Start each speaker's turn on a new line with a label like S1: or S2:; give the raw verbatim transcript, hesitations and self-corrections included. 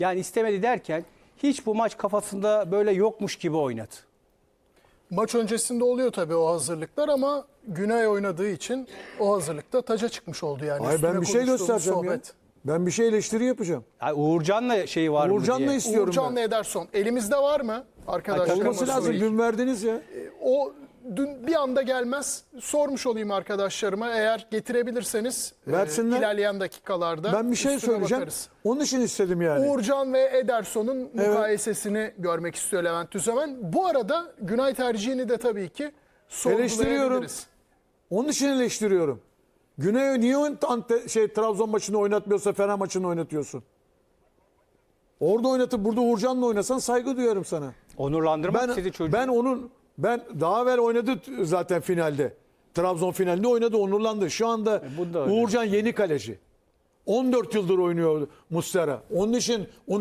S1: Yani istemedi derken hiç bu maç kafasında böyle yokmuş gibi oynadı.
S2: Maç öncesinde oluyor tabii o hazırlıklar ama Günay oynadığı için o hazırlıkta taca çıkmış oldu yani.
S3: Hayır, ben
S2: Üstüne
S3: bir şey
S2: konuştuğumuz
S3: göstereceğim ya.
S2: sohbet.
S3: Ben bir şey eleştiri yapacağım.
S1: Yani Uğurcan'la şeyi var mı
S3: Uğurcan'la
S1: diye.
S3: istiyorum
S2: Uğurcan'la
S3: ben.
S2: Ederson. Elimizde var mı arkadaşlar?
S3: Olması lazım. Dün verdiniz ya.
S2: O dün bir anda gelmez. Sormuş olayım arkadaşlarıma. Eğer getirebilirseniz e,
S3: Versinler.
S2: ilerleyen dakikalarda
S3: Ben bir şey
S2: üstüne
S3: söyleyeceğim.
S2: bakarız.
S3: Onun için istedim yani.
S2: Uğurcan ve Ederson'un mukayesesini görmek istiyor Levent Tüzemen. Bu arada Günay tercihini de tabii ki
S3: Eleştiriyorum.
S2: sorgulayabiliriz.
S3: Onun için eleştiriyorum. Güney'e niye Ante, şey, Trabzon maçını oynatmıyorsa Fener maçını oynatıyorsun? Orada oynatıp burada Uğurcan'la oynasan saygı duyarım sana.
S1: Onurlandırmak
S3: Ben,
S1: istedi çocuğu.
S3: ben onun ben daha evvel oynadı zaten finalde. Trabzon finalinde oynadı, onurlandı. Şu anda
S1: E, bu da öyle.
S3: Uğurcan yeni kaleci. on dört yıldır oynuyor Muslera. Onun için